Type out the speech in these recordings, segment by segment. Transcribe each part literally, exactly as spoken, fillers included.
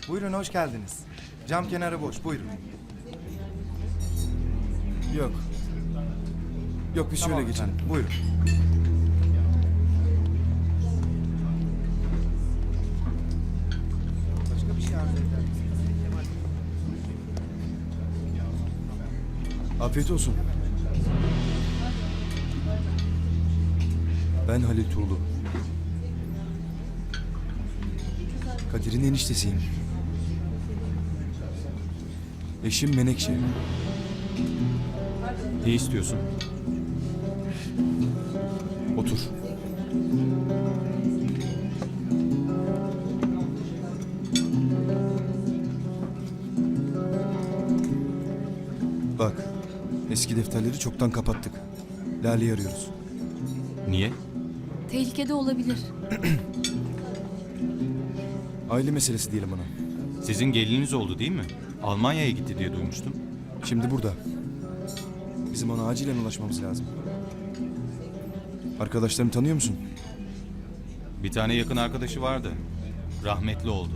Buyurun, hoş geldiniz. Cam kenarı boş, buyurun. Yok. Yok, biz şöyle geçelim. Buyurun. Başka bir şey arzu eder misiniz? Afiyet olsun. Ben Halil Tuğlu. Kadir'in eniştesiyim. Eşim Menekşe. Ne istiyorsun? Otur. Bak, eski defterleri çoktan kapattık. Lale'yi arıyoruz. Niye? Tehlikede olabilir. Aile meselesi diyelim ona. Sizin gelininiz oldu değil mi? Almanya'ya gitti diye duymuştum. Şimdi burada. Bizim ona acilen ulaşmamız lazım. Arkadaşlarını tanıyor musun? Bir tane yakın arkadaşı vardı. Rahmetli oldu.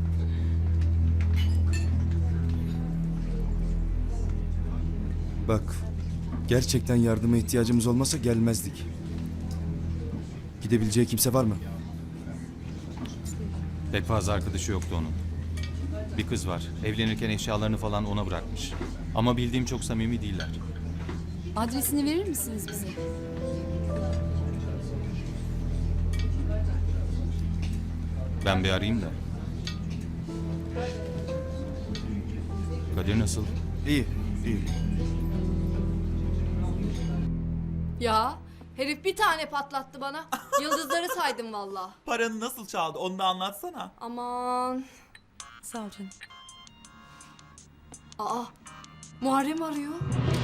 Bak, gerçekten yardıma ihtiyacımız olmasa gelmezdik. Gidebileceği kimse var mı? Pek fazla arkadaşı yoktu onun. Bir kız var. Evlenirken eşyalarını falan ona bırakmış. Ama bildiğim çok samimi değiller. Adresini verir misiniz bize? Ben bir arayayım da. Kadir nasıl? İyi, iyi. Ya herif bir tane patlattı bana. Yıldızları saydım valla. Paranı nasıl çaldı onu da anlatsana. Aman. Sağ ol canım. Aa, Muharrem arıyor.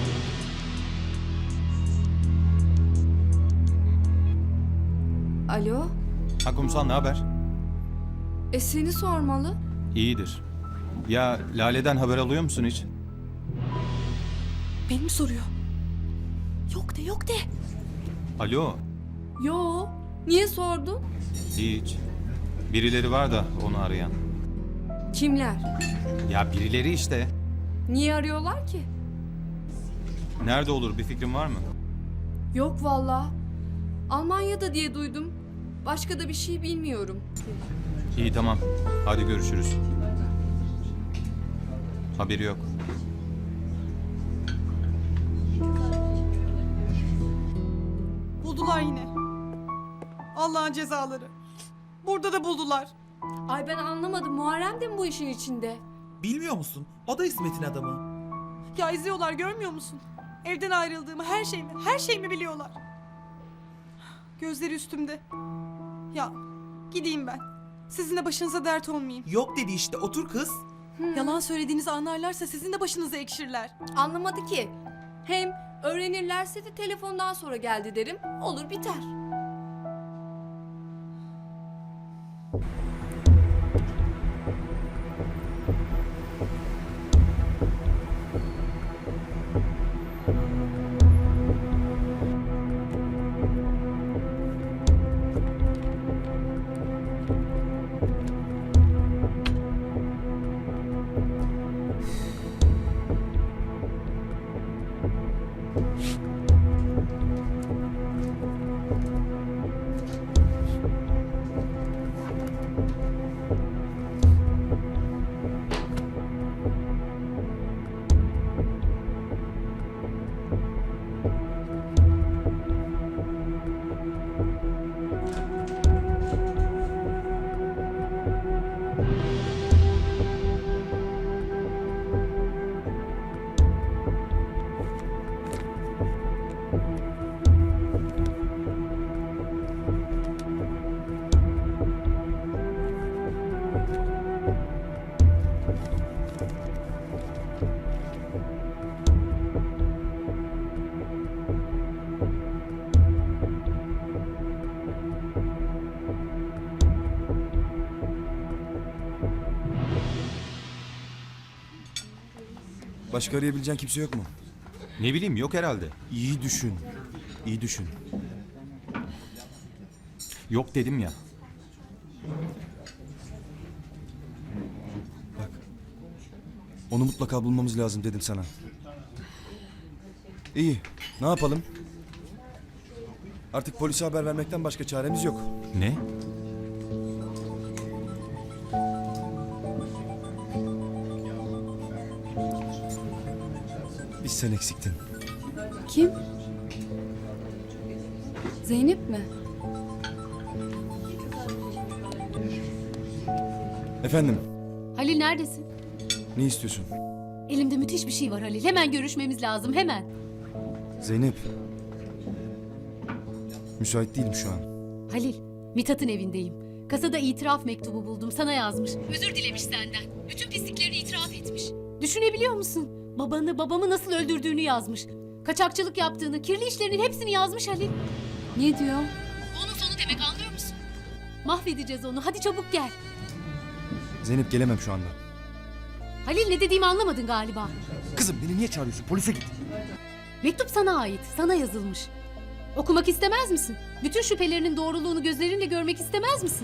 Alo, Ha kumsal ne haber? e seni sormalı. İyidir. Ya Lale'den haber alıyor musun hiç? Beni mi soruyor? Yok de yok de. Alo. Yo, niye sordun? Hiç. Birileri var da onu arayan. Kimler? Ya birileri işte. Niye arıyorlar ki? Nerede olur bir fikrin var mı? Yok valla. Almanya'da diye duydum. Başka da bir şey bilmiyorum. İyi tamam. Hadi görüşürüz. Haberi yok. Buldular yine. Allah'ın cezaları. Burada da buldular. Ay ben anlamadım. Muharrem de mi bu işin içinde? Bilmiyor musun? O da İsmet'in adamı. Ya izliyorlar görmüyor musun? Evden ayrıldığımı, her şeyimi, her şeyimi biliyorlar. Gözleri üstümde. Ya gideyim ben. Sizin de başınıza dert olmayayım. Yok dedi işte, otur kız. Yalan söylediğinizi anlarlarsa sizin de başınıza ekşirler. Anlamadı ki. Hem öğrenirlerse de telefondan sonra geldi derim. Olur biter. Başka arayabileceğin kimse yok mu? Ne bileyim yok herhalde. İyi düşün. İyi düşün. Yok dedim ya. Onu mutlaka bulmamız lazım dedim sana. İyi, ne yapalım? Artık polise haber vermekten başka çaremiz yok. Ne? Biz sen eksiktin. Kim? Zeynep mi? Efendim, Halil neredesin? ne istiyorsun? Elimde müthiş bir şey var Halil. Hemen görüşmemiz lazım, hemen. Zeynep. Müsait değilim şu an. Halil, Mithat'ın evindeyim. Kasada itiraf mektubu buldum, sana yazmış. Özür dilemiş senden. Bütün pisliklerini itiraf etmiş. Düşünebiliyor musun? Babanı, babamı nasıl öldürdüğünü yazmış. Kaçakçılık yaptığını, kirli işlerinin hepsini yazmış Halil. Ne diyor? Onun sonu demek, anlıyor musun? Mahvedeceğiz onu, hadi çabuk gel. Zeynep gelemem şu anda. Halil, ne dediğimi anlamadın galiba. Kızım beni niye çağırıyorsun? Polise git. Mektup sana ait, sana yazılmış. Okumak istemez misin? Bütün şüphelerinin doğruluğunu gözlerinle görmek istemez misin?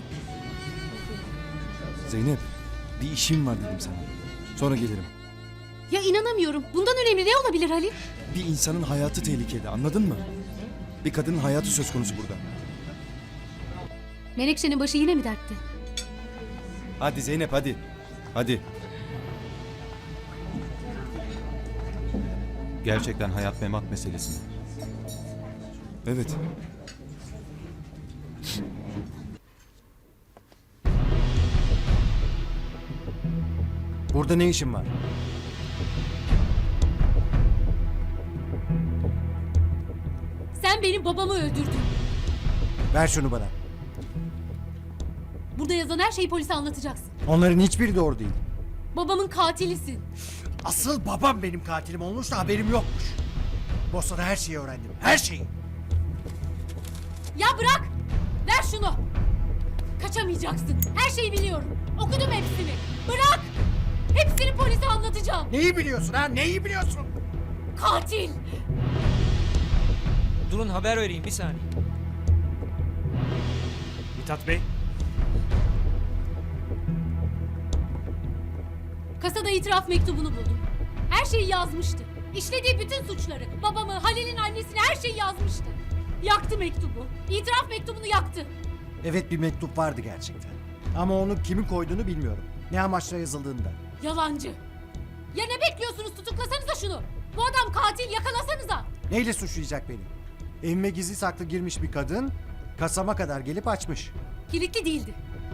Zeynep, bir işim var dedim sana. Sonra gelirim. Ya inanamıyorum. Bundan önemli ne olabilir Halil? Bir insanın hayatı tehlikede, anladın mı? Bir kadının hayatı söz konusu burada. Menekşe'nin başı yine mi dertte? Hadi Zeynep hadi. Hadi. Gerçekten hayat memat meselesi mi? Evet. Burada ne işin var? Sen benim babamı öldürdün. Ver şunu bana. Burada yazan her şeyi polise anlatacaksın. Onların hiçbiri doğru değil. Babamın katilisin. Asıl babam benim katilim olmuş da haberim yokmuş. Bosna'da her şeyi öğrendim. Her şeyi. Ya bırak! Ver şunu! Kaçamayacaksın. Her şeyi biliyorum. Okudum hepsini. Bırak! Hepsini polise anlatacağım. Neyi biliyorsun ha? Neyi biliyorsun? Katil! Durun haber vereyim bir saniye. Mithat Bey. Kasada itiraf mektubunu buldum. Her şeyi yazmıştı. İşlediği bütün suçları, babamı, Halil'in annesini her şeyi yazmıştı. Yaktı mektubu. İtiraf mektubunu yaktı. Evet, bir mektup vardı gerçekten. Ama onu kimin koyduğunu bilmiyorum. Ne amaçla yazıldığını da. Yalancı. Ya ne bekliyorsunuz? Tutuklasanıza şunu. Bu adam katil, yakalasanıza. Neyle suçlayacak beni? Evime gizli saklı girmiş bir kadın kasama kadar gelip açmış. Kilitli değildi.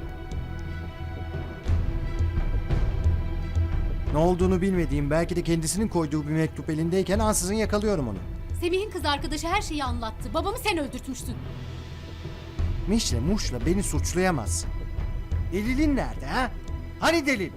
Ne olduğunu bilmediğim, belki de kendisinin koyduğu bir mektup elindeyken ansızın yakalıyorum onu. Semih'in kız arkadaşı her şeyi anlattı. Babamı sen öldürtmüşsün. Mişle muşla beni suçlayamazsın. Delilin nerede ha? Hani delil?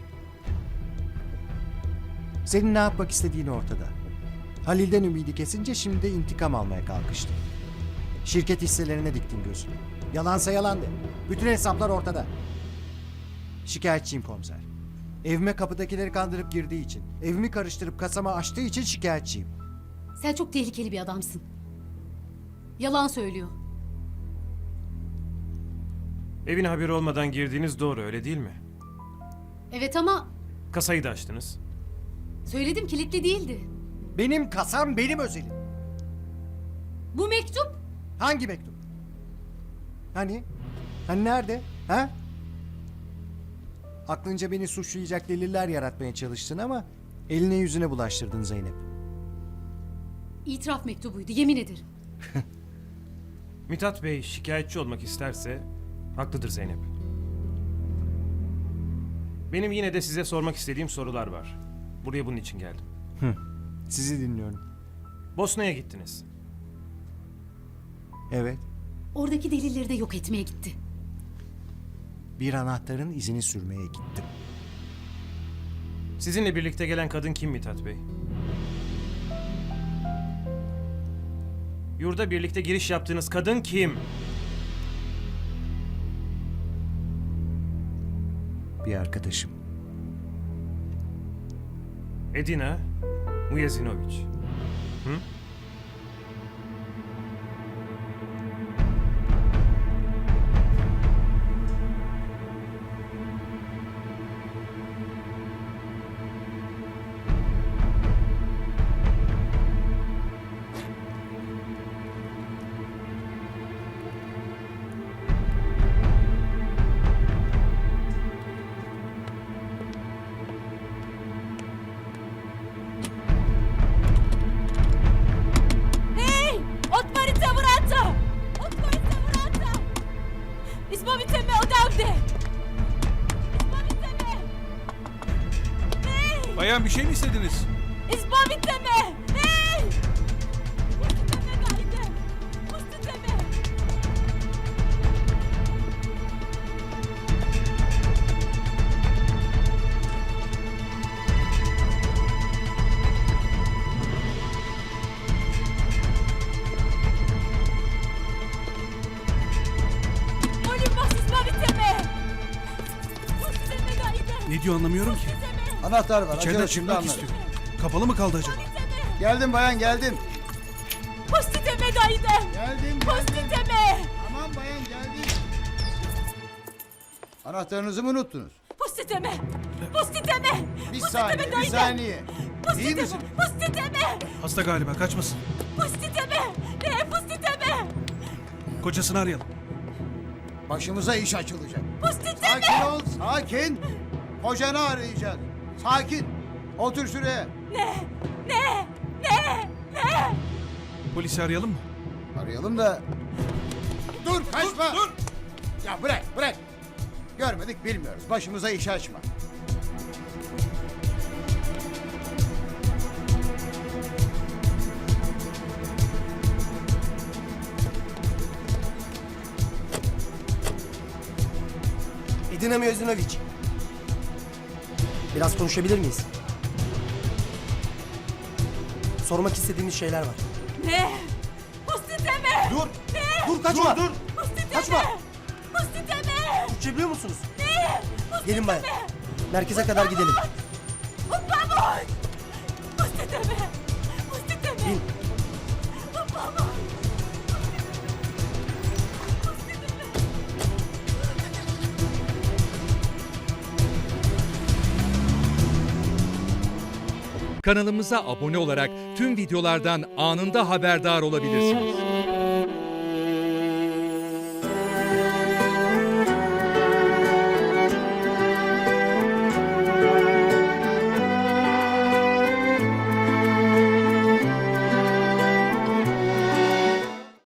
Senin ne yapmak istediğin ortada. Halil'den ümidi kesince şimdi de intikam almaya kalkıştı. Şirket hisselerine diktin gözünü. Yalansa yalan de. Bütün hesaplar ortada. Şikayetçiyim komiser. Evime kapıdakileri kandırıp girdiği için, evimi karıştırıp kasama açtığı için şikayetçiyim. Sen çok tehlikeli bir adamsın. Yalan söylüyor. Evin haberi olmadan girdiğiniz doğru öyle değil mi? Evet ama Kasayı da açtınız. söyledim, kilitli değildi. Benim kasam benim özelim. Bu mektup Hangi mektup? Hani? Hani nerede? Ha? Aklınca beni suçlayacak deliller yaratmaya çalıştın ama eline yüzüne bulaştırdın Zeynep. itiraf mektubuydu, yemin ederim. Mithat Bey şikayetçi olmak isterse haklıdır Zeynep. Benim yine de size sormak istediğim sorular var. Buraya bunun için geldim. Sizi dinliyorum. Bosna'ya gittiniz. Evet. Oradaki delilleri de yok etmeye gitti. Bir anahtarın izini sürmeye gittim. Sizinle birlikte gelen kadın kim Mithat Bey? Yurda birlikte giriş yaptığınız kadın kim? Bir arkadaşım. Edina Mujezinović. Hı? Benden bir şey mi istediniz? İspavitleme! Hey! Pustiteme gayde! Pustiteme! Molim vas ispavitleme! Pustiteme gayde! Ne diyor anlamıyorum ki. Anahtar var. İçeriden çıkmak istiyor. Kapalı mı kaldı acaba? Geldim bayan geldim. Pustiteme gayde! Geldim Pustiteme! Tamam bayan geldim. Anahtarınızı mı unuttunuz? Pustiteme! Pustiteme! Bir Pustiteme saniye, bir gayde! saniye. İyi misin? Pustiteme! Hasta galiba, kaçmasın. Pustiteme! Ne pustiteme? Kocasını arayalım. Başımıza iş açılacak. Pustiteme! Sakin ol, sakin. Kocanı arayacağız. Sakin. Otur şuraya. Ne? Ne? Ne? Ne? Polisi arayalım mı? Arayalım da... Dur, kaçma. Dur, dur. Ya bırak, bırak. Görmedik, bilmiyoruz. Başımıza iş açma. Edina Mözinovic. Biraz konuşabilir miyiz? Sormak istediğimiz şeyler var. Ne? Pustiteme! Dur! Dur kaçma! Dur dur! Pustiteme! Kaçma! Pustiteme! Türkçe biliyor musunuz? Ne? Pustiteme! Gelin bayan. Merkeze kadar gidelim. Vamos! Pustiteme! Pustiteme! Bin. Vamos! Kanalımıza abone olarak tüm videolardan anında haberdar olabilirsiniz.